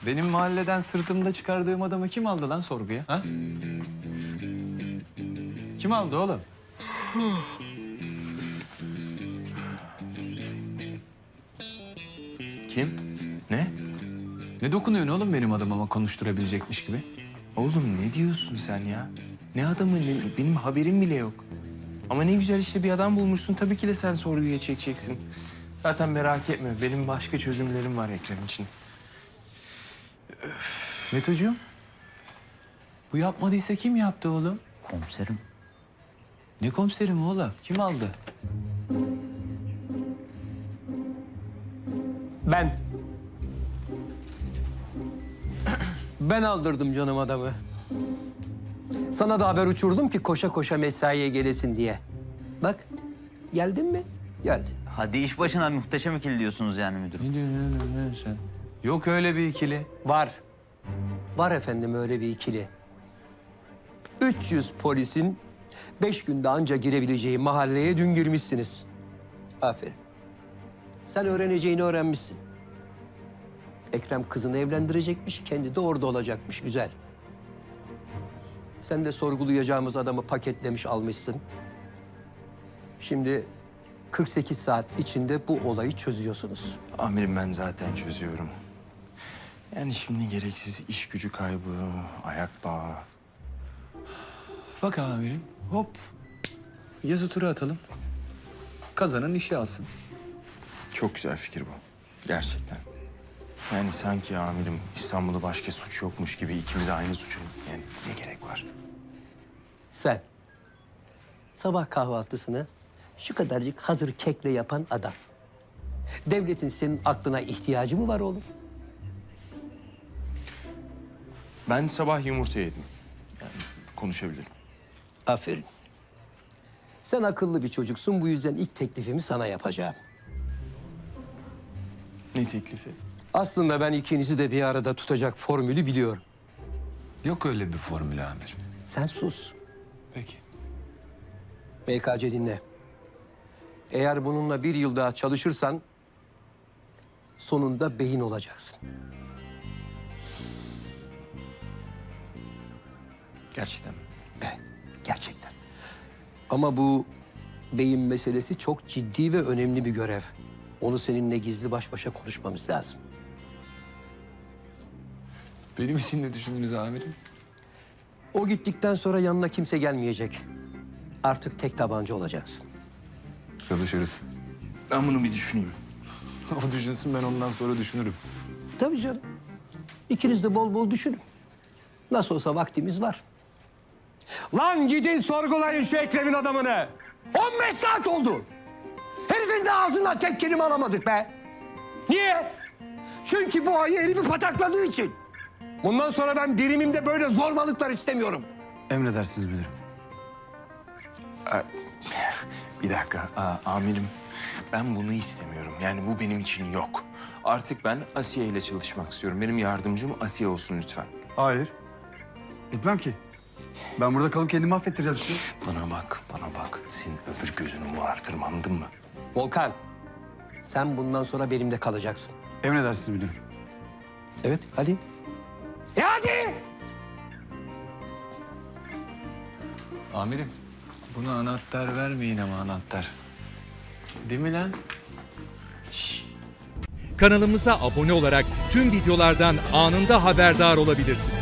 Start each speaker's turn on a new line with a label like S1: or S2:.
S1: benim mahalleden sırtımda çıkardığım adamı kim aldı lan sorguya? Ha? Kim aldı oğlum?
S2: Kim? Ne?
S1: Ne dokunuyorsun oğlum benim adamıma konuşturabilecekmiş gibi?
S2: Oğlum ne diyorsun sen ya? Ne adamı, benim haberim bile yok. Ama ne güzel işte bir adam bulmuşsun. Tabii ki de sen sorguya çekeceksin. Zaten merak etme. Benim başka çözümlerim var Ekrem için.
S1: Metocuğum, bu yapmadıysa kim yaptı oğlum?
S3: Komiserim.
S1: Ne komiserim oğlum? Kim aldı?
S4: Ben. Ben aldırdım canım adamı. Sana da haber uçurdum ki koşa koşa mesaiye gelesin diye. Bak, geldin mi? Geldin.
S3: Hadi iş başına muhteşem ikili diyorsunuz yani müdürüm.
S1: Ne diyorsun oğlum sen? Yok öyle bir ikili.
S4: Var. Var efendim öyle bir ikili. 300 polisin 5 günde anca girebileceği mahalleye dün girmişsiniz. Aferin. Sen öğreneceğini öğrenmişsin. Ekrem kızını evlendirecekmiş, kendi de orada olacakmış. Güzel. Sen de sorgulayacağımız adamı paketlemiş almışsın. Şimdi 48 saat içinde bu olayı çözüyorsunuz.
S2: Amirim ben zaten çözüyorum. Yani şimdi gereksiz iş gücü kaybı, ayak bağı.
S1: Bak amirim, hop. Yazı tura atalım. Kazanan işi alsın.
S2: Çok güzel fikir bu. Gerçekten. Yani sanki amirim İstanbul'da başka suç yokmuş gibi ikimiz aynı suçu. Yani ne gerek var?
S4: Sen sabah kahvaltısını şu kadarcık hazır kekle yapan adam. Devletin senin aklına ihtiyacı mı var oğlum?
S2: Ben sabah yumurta yedim. Yani konuşabilirim.
S4: Aferin. Sen akıllı bir çocuksun. Bu yüzden ilk teklifimi sana yapacağım.
S2: Ne teklifi?
S4: Aslında ben ikinizi de bir arada tutacak formülü biliyorum.
S1: Yok öyle bir formül amirim.
S4: Sen sus.
S1: Peki.
S4: BKC dinle. Eğer bununla bir yıl daha çalışırsan sonunda beyin olacaksın.
S2: Gerçekten mi?
S4: Evet, gerçekten. Ama bu beyin meselesi çok ciddi ve önemli bir görev. Onu seninle gizli baş başa konuşmamız lazım.
S1: Benim için ne düşündünüz amirim?
S4: O gittikten sonra yanına kimse gelmeyecek. Artık tek tabanca olacaksın.
S1: Çalışırız.
S2: Ben bunu bir düşüneyim.
S1: O düşünsün, ben ondan sonra düşünürüm.
S4: Tabii canım. İkiniz de bol bol düşünün. Nasıl olsa vaktimiz var. Lan gidin sorgulayın şu Ekrem'in adamını. 15 saat oldu. Herifin de ağzından tek kelime alamadık be. Niye? Çünkü bu ayı herifi patakladığı için. Bundan sonra ben birimimde böyle zorbalıklar istemiyorum.
S1: Emredersiniz müdürüm.
S2: Bir dakika. Amirim ben bunu istemiyorum. Yani bu benim için yok. Artık ben Asiye ile çalışmak istiyorum. Benim yardımcım Asiye olsun lütfen.
S5: Hayır. Gitmem ki. Ben burada kalıp kendimi affettireceğim sizi.
S2: Bana bak, bana bak. Senin öbür gözünü morartırım, anladın mı?
S4: Volkan, sen bundan sonra benimle kalacaksın.
S5: Emredersiniz müdürüm.
S4: Evet, hadi. Hadi!
S1: Amirim, buna anahtar vermeyin ama anahtar. Değil mi lan?
S6: Kanalımıza abone olarak tüm videolardan anında haberdar olabilirsiniz.